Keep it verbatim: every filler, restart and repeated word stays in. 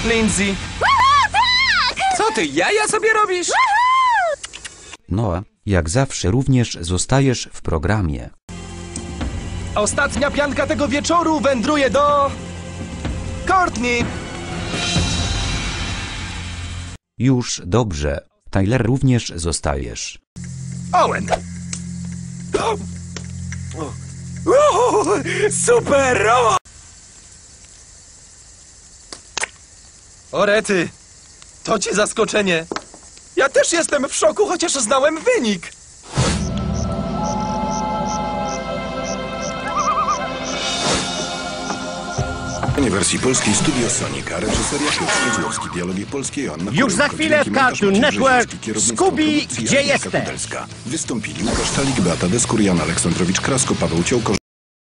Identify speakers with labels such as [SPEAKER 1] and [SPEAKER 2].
[SPEAKER 1] Lindsay. Co ty, jaja sobie robisz?
[SPEAKER 2] Noah, jak zawsze również zostajesz w programie.
[SPEAKER 1] Ostatnia pianka tego wieczoru wędruje do... Courtney.
[SPEAKER 2] Już dobrze. Tyler, również zostajesz.
[SPEAKER 1] Owen. O! O! Super! O! O rety, to ci zaskoczenie. Ja też jestem w szoku, chociaż znałem wynik.
[SPEAKER 3] W wersji polskiej Studio Sonika, reżyseria Piotr Wiedźłowski, dialogi polskie Joanna
[SPEAKER 4] Już za chwilę w Cartoon Network Scooby, gdzie jesteś?
[SPEAKER 3] Wystąpili Łukasz Talik, Beata Deskur, Jan Aleksandrowicz, Krasko, Paweł Ciołko,